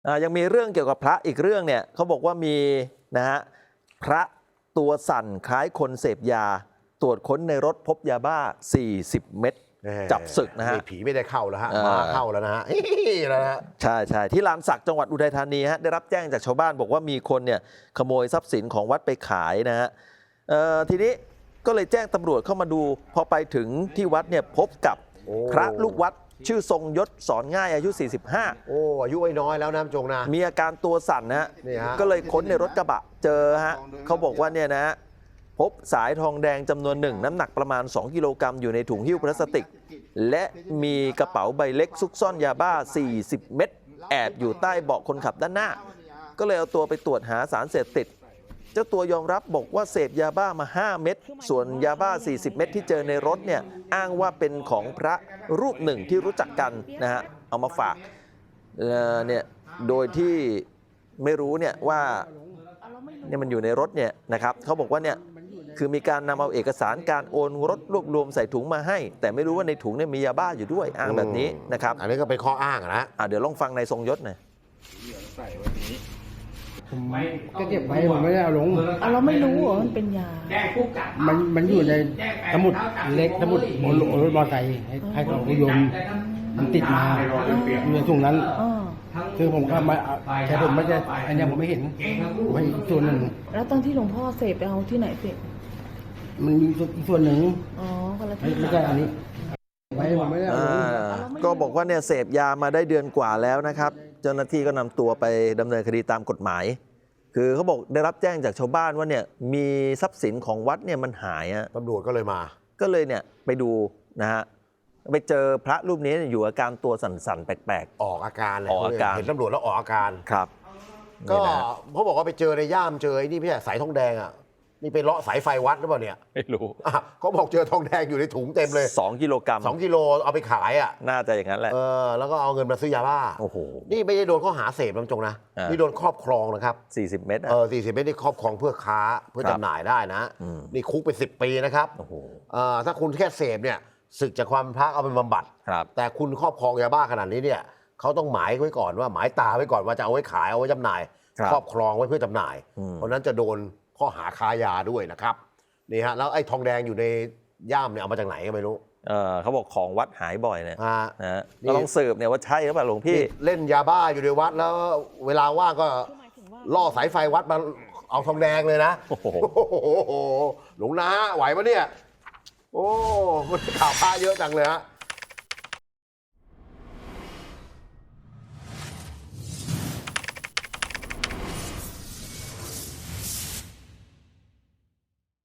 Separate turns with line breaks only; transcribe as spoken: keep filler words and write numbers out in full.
ยังมีเรื่องเกี่ยวกับพระอีกเรื่องเนี่ยเขาบอกว่ามีนะฮะพระตัวสั่นคล้ายคนเสพยาตรวจค้นในรถพบยาบ้าสี่สิบเม็ดจับศึกนะฮะ
ผีไม่ได้เข้าแล้วฮะมาเข้าแล้วนะฮะแล้วนะ
ใช่ใช่ที่ลานสักจังหวัดอุทัยธานีฮะได้รับแจ้งจากชาวบ้านบอกว่ามีคนเนี่ยขโมยทรัพย์สินของวัดไปขายนะฮะทีนี้ก็เลยแจ้งตำรวจเข้ามาดูพอไปถึงที่วัดเนี่ยพบกับพระลูกวัดชื่อทรงยศสอนง่ายอายุสี่สิบห้า
โอ้อายุน้อยแล้วนะจงนะ
มีอาการตัวสั่นนะฮะก็เลยค้นในรถกระบะเจอฮะเขาบอกว่าเนี่ยนะพบสายทองแดงจำนวนหนึ่งน้ำหนักประมาณสองกิโลกรัมอยู่ในถุงหิ้วพลาสติกและมีกระเป๋าใบเล็กซุกซ่อนยาบ้าสี่สิบเม็ดแอบอยู่ใต้เบาะคนขับด้านหน้าก็เลยเอาตัวไปตรวจหาสารเสพติดเจ้าตัวยอมรับบอกว่าเสพยาบ้ามาห้าเม็ดส่วนยาบ้าสี่สิบเม็ดที่เจอในรถเนี่ยอ้างว่าเป็นของพระรูปหนึ่งที่รู้จักกันนะฮะเอามาฝากเนี่ยโดยที่ไม่รู้เนี่ยว่าเนี่ยมันอยู่ในรถเนี่ยนะครับเขาบอกว่าเนี่ยคือมีการนำเอาเอกสารการโอนรถรวบรวมใส่ถุงมาให้แต่ไม่รู้ว่าในถุงเนี่ยมียาบ้าอยู่ด้วยอ้างแบบนี้นะครับ
อันนี้ก็เป็นข้ออ้างนะ
อ่ะเดี๋ยวลองฟังในทรงยศหน่อย
ผมก็เก็บไว้ผมไม่ได้เอาลง
เอาเราไม่รู้เหรอมันเป็นยา
มันมันอยู่ในสมุดเล็กสมุดบนรถมอเตอร์ไซค์ให้ของผู้ยมมันติดมาอยู่ในถุงนั้นคือผมก็มาแค่ผมไม่ได้อันนี้ผมไม่เห็นผมให้อีกส่วนหนึ่ง
แล้วตอนที่หลวงพ่อเสพไปเอาที่ไหนเสพ
มันมีอีกส่วนหนึ่ง
อ๋อคนละที่
ไม่ใช่อันนี้ไว้ผมไม่ได้
ก็บอกว่าเนี่ยเสพยามาได้เดือนกว่าแล้วนะครับเจ้าหน้าที่ก็นำตัวไปดำเนินคดีตามกฎหมายคือเขาบอกได้รับแจ้งจากชาวบ้านว่าเนี่ยมีทรัพย์สินของวัดเนี่ยมันหายอะ
ตำรวจก็เลยมา
ก็เลยเนี่ยไปดูนะฮะไปเจอพระรูปนี้อยู่อาการตัวสั่นๆแปลก
ๆออกอาการ
ออกอาการ
เห็นตำรวจแล้วออกอาการ
ครับ
ก็เขาบอกว่าไปเจอในย่ามเจอไอ้นี่พี่สายทองแดงอ่ะนี่ไปเลาะสายไฟวัดหรือเปล่าเนี่ย
ไม่รู้
เขาบอกเจอทองแดงอยู่ในถุงเต็มเลย
สองกิโลกรัม
สองกิโลเอาไปขายอ่ะ
น่าจะอย่างนั้นแหละ
เออแล้วก็เอาเงินมาซื้อยาบ้า
โอ้โห
นี่ไม่ได้โดนข้อหาเสพน้ำจงนะนี่โดนครอบครองนะครับ
สี่สิบเม็ด
เออสี่สิบเม็ดนี่ครอบครองเพื่อค้าเพื่อจำหน่ายได้นะนี่คุกไปสิบปีนะครับ
โอ้โห
ถ้าคุณแค่เสพเนี่ยศึกจากความพระเอาไปบำบัดแต่คุณครอบครองยาบ้าขนาดนี้เนี่ยเขาต้องหมายไว้ก่อนว่าหมายตาไว้ก่อนว่าจะเอาไว้ขายเอาไว้จำหน่ายครอบครองไว้เพื่อจำหน่ายเพราะนั้นจะโดนข้อหาค้ายาด้วยนะครับนี่ฮะแล้วไอ้ทองแดงอยู่ในย่ามเนี่ยเอามาจากไหนก็ไม่รู้
เออเขาบอกของวัดหายบ่อยเนี่ยนะก็ต้องสืบเนี่ยว่าใช่หรือเปล่าหลวงพี่
เล่นยาบ้าอยู่ในวัดแล้วเวลาว่างก็ล่อสายไฟวัดมาเอาทองแดงเลยนะโอ้โหหลวงนาไหวปะเนี่ยโอ้มันข่าวพระเยอะจังเลยฮะ